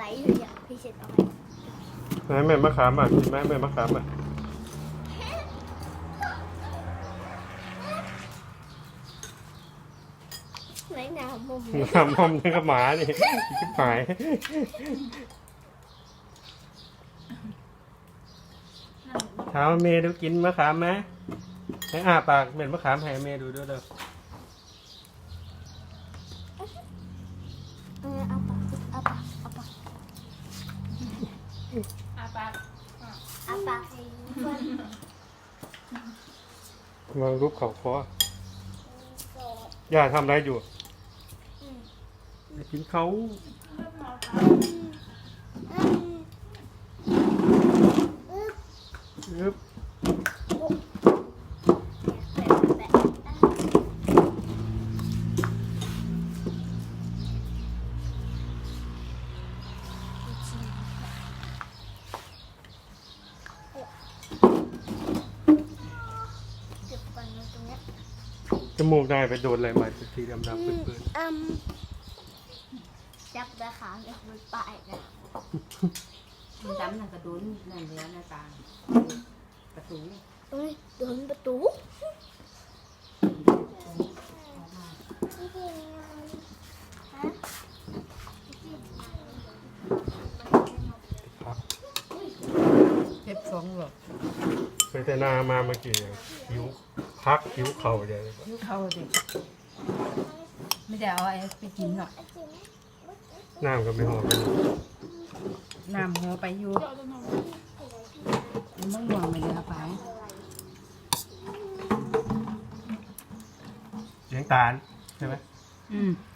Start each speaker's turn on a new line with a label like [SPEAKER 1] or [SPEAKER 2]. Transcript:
[SPEAKER 1] เลยอ่ะพี่เช็ดเอาไว้
[SPEAKER 2] ไหนแม่มะขามอ่ะกินไหมแม่มะขามอ่ะ
[SPEAKER 1] ไหนหนาวมุม
[SPEAKER 2] มอมนี่ก็หมานี่ชิบหายถามเมย์ดูกินมะขามไหมให้อ้าปากเหม็นมะขามให้เมย์ดูด้วยเด้อ
[SPEAKER 1] เอาปากเอาปากเอาปาก
[SPEAKER 3] อาปาก
[SPEAKER 1] เอาปากให้เพื่อน
[SPEAKER 2] วางรูปเขาคอ ย่าทำอะไรอยู่กินเขาอึ๊บ
[SPEAKER 1] เก็บก่อนตรงเนี้ย
[SPEAKER 2] จมูกได้ไปโดนอะไรมาสีดำๆปื้น
[SPEAKER 1] จับตะขาเนี่ยมันปลายนะ
[SPEAKER 3] มันดำนั่นกระดุนนั่นเนื้อหน้าตาประตู
[SPEAKER 1] ตรงนี้โดนประตู
[SPEAKER 2] ๆครับ
[SPEAKER 3] เจ็บสองหรอก
[SPEAKER 2] ไปแต่นามาเมื่อกี้หิวพักหิวเข่าเดียว
[SPEAKER 3] ยิ้วเข้าดิไม่ได้เอาไอ้ไปกินหรอก
[SPEAKER 2] น้ำก็ไม่หอม
[SPEAKER 3] น้ำหัวไปอยู่มันห่วงไม่ได้เอาไป
[SPEAKER 2] เลี้ยงตาลใช่ไหม
[SPEAKER 3] อืม